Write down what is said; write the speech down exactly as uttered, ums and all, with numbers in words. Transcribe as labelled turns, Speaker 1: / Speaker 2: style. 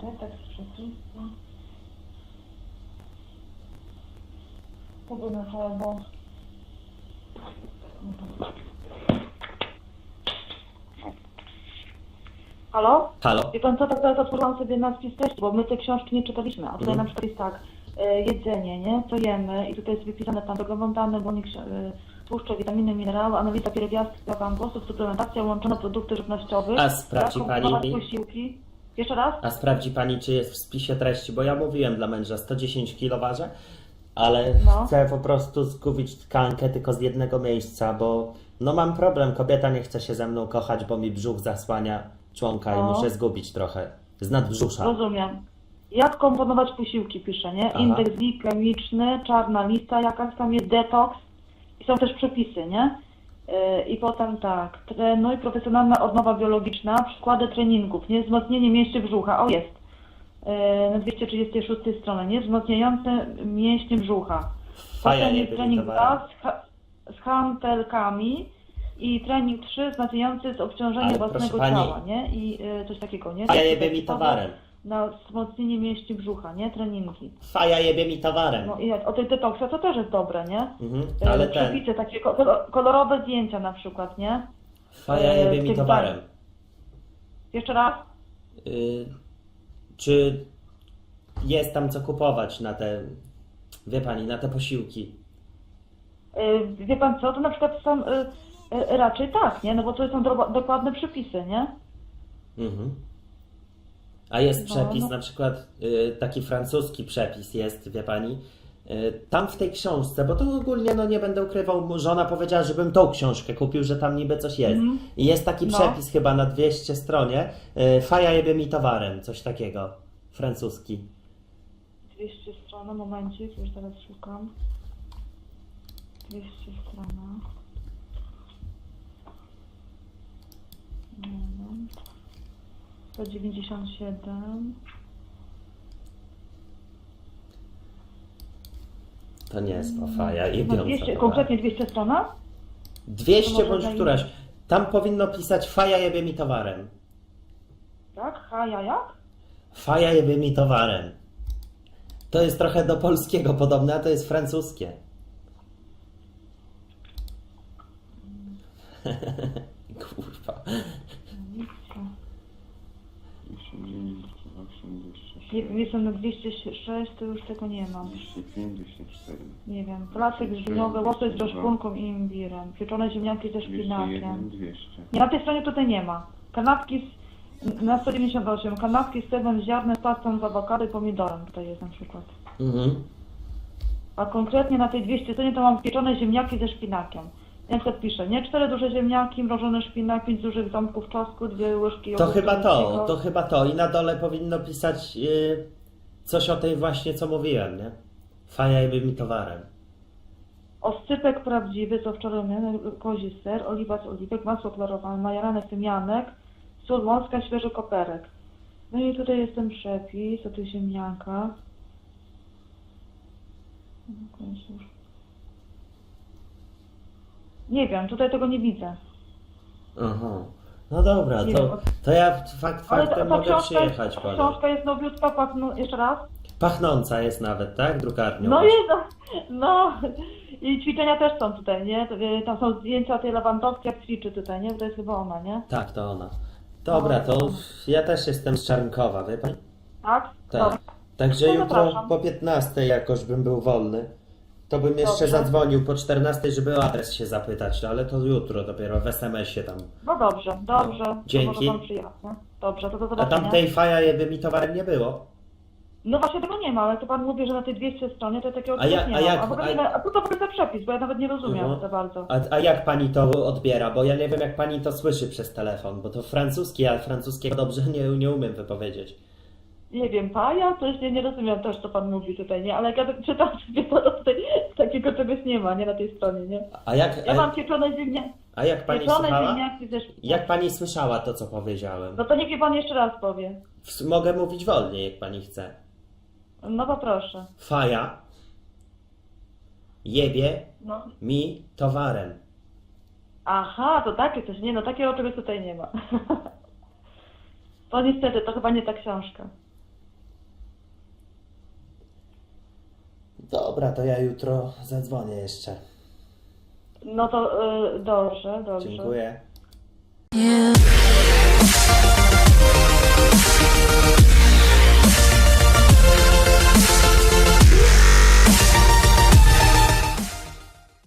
Speaker 1: tak z przepisem. To by na albo... Halo?
Speaker 2: Halo?
Speaker 1: Wie pan co, tak teraz otworzyłam sobie nadpis testu, bo my te książki nie czytaliśmy, a tutaj
Speaker 2: Mhm.
Speaker 1: na przykład jest tak, e, jedzenie, nie, co jemy i tutaj jest wypisane tam węglowodany, błonnik, e, tłuszcze, witaminy, minerały, analiza pierwiastków, głosów, suplementacja, łączone produkty żywnościowe.
Speaker 2: A sprawdzi
Speaker 1: jak
Speaker 2: pani
Speaker 1: komponować
Speaker 2: mi?
Speaker 1: posiłki. Jeszcze raz?
Speaker 2: A sprawdzi pani, czy jest w spisie treści, bo ja mówiłem dla męża sto dziesięć kilo ważę, ale
Speaker 1: No.
Speaker 2: chcę po prostu zgubić tkankę tylko z jednego miejsca, bo no mam problem, kobieta nie chce się ze mną kochać, bo mi brzuch zasłania członka i
Speaker 1: No.
Speaker 2: muszę zgubić trochę z nadbrzusza.
Speaker 1: Rozumiem. Jak komponować posiłki, pisze, nie?
Speaker 2: Aha.
Speaker 1: Indeks glikemiczny, czarna lista, jakaś tam jest detoks i są też przepisy, nie? Yy, I potem tak, trenuj, profesjonalna odnowa biologiczna, przykłady treningów, nie? Wzmocnienie mięśni brzucha, o jest, yy, na dwieście trzydziestej szóstej stronie, nie? Wzmocniające mięśnie brzucha.
Speaker 2: Faja
Speaker 1: Potem
Speaker 2: nie
Speaker 1: jest
Speaker 2: byli
Speaker 1: trening
Speaker 2: towarem.
Speaker 1: dwa z, ha z hantelkami i trening trzy wzmacniający z obciążenia
Speaker 2: Ale
Speaker 1: własnego
Speaker 2: proszę pani-
Speaker 1: ciała, nie? I yy, coś takiego, nie?
Speaker 2: Faja
Speaker 1: Takie
Speaker 2: jebie mi
Speaker 1: typowe
Speaker 2: towarem.
Speaker 1: Na wzmocnienie mięśni brzucha, nie? Treningi.
Speaker 2: Faja jebie mi towarem.
Speaker 1: No i jak- o tej detoksie to też jest dobre, nie?
Speaker 2: Mhm,
Speaker 1: E,
Speaker 2: ale ten,
Speaker 1: Przepisy, takie ko- kolor- kolorowe zdjęcia na przykład, nie?
Speaker 2: faja
Speaker 1: e,
Speaker 2: jebie
Speaker 1: w
Speaker 2: mi
Speaker 1: tych
Speaker 2: towarem.
Speaker 1: Jeszcze raz?
Speaker 2: Y, czy jest tam co kupować na te, wie pani, na te posiłki?
Speaker 1: E, Wie pan co, to na przykład są e, e, raczej tak, nie? No bo to są do, dokładne przepisy, nie?
Speaker 2: Mhm. A jest
Speaker 1: No,
Speaker 2: przepis,
Speaker 1: no.
Speaker 2: na przykład y, taki francuski przepis jest, wie pani, y, tam w tej książce, bo to ogólnie, no nie będę ukrywał, mu żona powiedziała, żebym tą książkę kupił, że tam niby coś jest.
Speaker 1: Mhm.
Speaker 2: I jest taki
Speaker 1: No.
Speaker 2: przepis chyba na dwieście stronie, y, faja jebie mi towarem, coś takiego, francuski.
Speaker 1: dwieście stron, momencik, już teraz szukam. dwieście strona. Moment. sto dziewięćdziesiąt siedem.
Speaker 2: To nie jest o faja
Speaker 1: No
Speaker 2: jebiąca
Speaker 1: dwieście,
Speaker 2: towarem.
Speaker 1: konkretnie dwieście strona?
Speaker 2: dwieście
Speaker 1: To może
Speaker 2: bądź
Speaker 1: zajmie-
Speaker 2: któraś. Tam powinno pisać faja jebie mi towarem.
Speaker 1: Tak? Ha, ja jak?
Speaker 2: Faja jebie mi towarem. To jest trochę do polskiego podobne, a to jest francuskie. Kurwa.
Speaker 1: Nie, jestem na dwieście sześć, to już tego nie mam.
Speaker 3: dwieście pięć, dwieście cztery.
Speaker 1: Nie wiem. Placek żywiołowy, łosoś z roszpunką i imbirem. Pieczone ziemniaki ze
Speaker 3: dwieście
Speaker 1: szpinakiem.
Speaker 3: jeden, dwieście.
Speaker 1: Nie, na tej stronie tutaj nie ma. Kanapki z, na sto dziewięćdziesiąt osiem. Kanapki z serem z ziarnem, pastą z awokado i pomidorem. Tutaj jest na przykład.
Speaker 2: Mhm.
Speaker 1: A konkretnie na tej dwieście stronie to mam pieczone ziemniaki ze szpinakiem. Ja na przykład piszę, nie? Cztery duże ziemniaki, mrożony szpinak, pięć dużych ząbków czosnku, dwie łyżki
Speaker 2: To
Speaker 1: jogurtu
Speaker 2: chyba to,
Speaker 1: greckiego.
Speaker 2: to chyba to. I na dole powinno pisać yy, coś o tej właśnie, co mówiłem, nie? Faja jebie mi towarem.
Speaker 1: Oscypek prawdziwy, co wczoraj miałem, kozi ser, oliwa z oliwek, masło klarowane, majeranek, tymianek, sól morska, świeży koperek. No i tutaj jest ten przepis o tych ziemniankach. No, końcu już. Nie wiem, tutaj tego nie widzę.
Speaker 2: Aha. No dobra,
Speaker 1: Nie
Speaker 2: to,
Speaker 1: wiem.
Speaker 2: to ja fakt
Speaker 1: Ale
Speaker 2: faktem
Speaker 1: ta
Speaker 2: mogę
Speaker 1: książka,
Speaker 2: przyjechać
Speaker 1: ta
Speaker 2: po nią.
Speaker 1: książka jest nowiutka, pachną, jeszcze raz.
Speaker 2: Pachnąca jest nawet, tak? Drukarnią.
Speaker 1: No jest, no i ćwiczenia też są tutaj, nie? Tam są zdjęcia tej Lewandowskiej, jak ćwiczy tutaj, nie? To jest chyba ona, nie?
Speaker 2: Tak, to ona. Dobra, to ja też jestem z Czarnkowa, wie pani?
Speaker 1: Tak?
Speaker 2: Tak.
Speaker 1: Dobra.
Speaker 2: Także
Speaker 1: No
Speaker 2: jutro
Speaker 1: zapraszam.
Speaker 2: po piętnastej jakoś bym był wolny. To bym jeszcze
Speaker 1: Dobrze.
Speaker 2: zadzwonił po czternastej, żeby o adres się zapytać, no ale to jutro dopiero w es em esie tam.
Speaker 1: No dobrze, dobrze. To
Speaker 2: Dzięki.
Speaker 1: może pan przyjechać, nie? Dobrze, to do
Speaker 2: A
Speaker 1: zobaczenia.
Speaker 2: tam tej faja jeby mi towarem nie było.
Speaker 1: No właśnie tego nie ma, ale to pan mówi, że na tej dwieście stronie to takiego
Speaker 2: A ja-
Speaker 1: czegoś nie
Speaker 2: a
Speaker 1: ma.
Speaker 2: jak-
Speaker 1: A, w ogóle
Speaker 2: a-
Speaker 1: nie ma, a co to w ogóle za przepis, bo ja nawet nie rozumiem
Speaker 2: Mhm.
Speaker 1: za bardzo.
Speaker 2: A, a jak pani to odbiera? Bo ja nie wiem, jak pani to słyszy przez telefon, bo to francuski, a francuskiego dobrze nie, nie umiem wypowiedzieć.
Speaker 1: Nie wiem, paja? Coś nie, nie rozumiem też, co pan mówi tutaj, nie? Ale jak ja tak czytam sobie, to tutaj takiego czegoś nie ma, nie? Na tej stronie, nie?
Speaker 2: A jak,
Speaker 1: Ja mam
Speaker 2: a,
Speaker 1: pieczone ziemniaki,
Speaker 2: a jak pani
Speaker 1: pieczone
Speaker 2: słuchała?
Speaker 1: ziemniaki ze szpinakiem.
Speaker 2: Jak pani słyszała to, co powiedziałem?
Speaker 1: No to niech mi pan jeszcze raz powie.
Speaker 2: W- Mogę mówić wolniej, jak pani chce.
Speaker 1: No to proszę.
Speaker 2: Faja jebie
Speaker 1: No.
Speaker 2: mi towarem.
Speaker 1: Aha, to takie coś, nie? No takiego czegoś tutaj nie ma. To niestety, to chyba nie ta książka.
Speaker 2: Dobra, to ja jutro zadzwonię jeszcze.
Speaker 1: No to y, dobrze, dobrze.
Speaker 2: Dziękuję.